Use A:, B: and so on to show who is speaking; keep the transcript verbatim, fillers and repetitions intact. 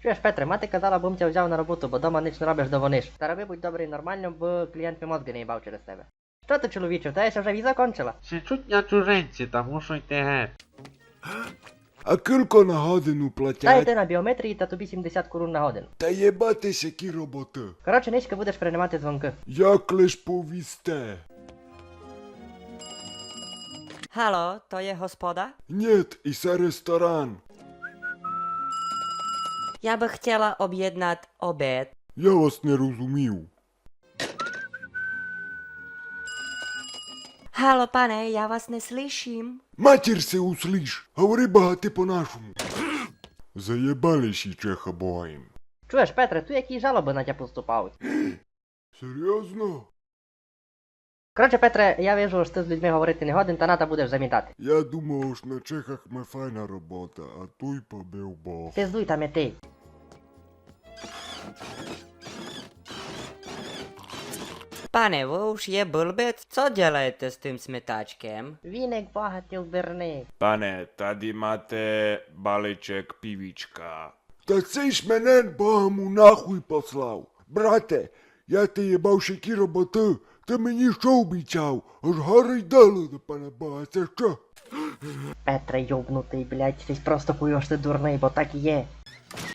A: Чуєш, Петре, мати казала, бом тя взяв на роботу, бо дома ніч не робиш, до вониш. Та роби будь добрий нормально, бо клієнт мій мозги не їбав через тебе. Що ти, чоловіче, в тебе ще вже віза кончила?
B: Ще чуть на чужинці, та мушу йти геть.
C: А кілько на годину
A: Та
C: платять?
A: йти на біометрії та тобі сімдесят корун на годину.
C: Та єбатись, які роботи.
A: Коротше, низько будеш приймати дзвонки.
C: Як лиш повісте?
D: Halo, to je hospoda?
C: Нет, i se restaurán.
D: Já bych chtěla objednat oběd.
C: Я вас не розумів.
D: Halo, pane, já vás neslyším.
C: Матір се услиш, говори багати по-нашому. Заєбали ще чеха боєм.
A: Чуєш, Петре, tu які жалоби на тя поступають.
C: Серйозно?
A: Коротше, Петре, я вижу, що ти з людьми говорити не годен, та ната будеш замітати.
C: Я думав, що на Чехах ми файна робота, а той побив Бог.
A: Пиздуй там і ти.
D: Pane, vy už je blbec? Co děláte s tím smetáčkem?
A: Віник багатів верни.
E: Pane, tady máte balíček pivíčka.
C: Та цей ж мене Богому нахуй послав. Брате, я ти єбав ще ті роботи, ти мені що обіцяв? Аж гори й дали до пана Бога, це що?
A: Петре, йобнутий, блядь, ти просто хуйош ти дурний, бо так і є.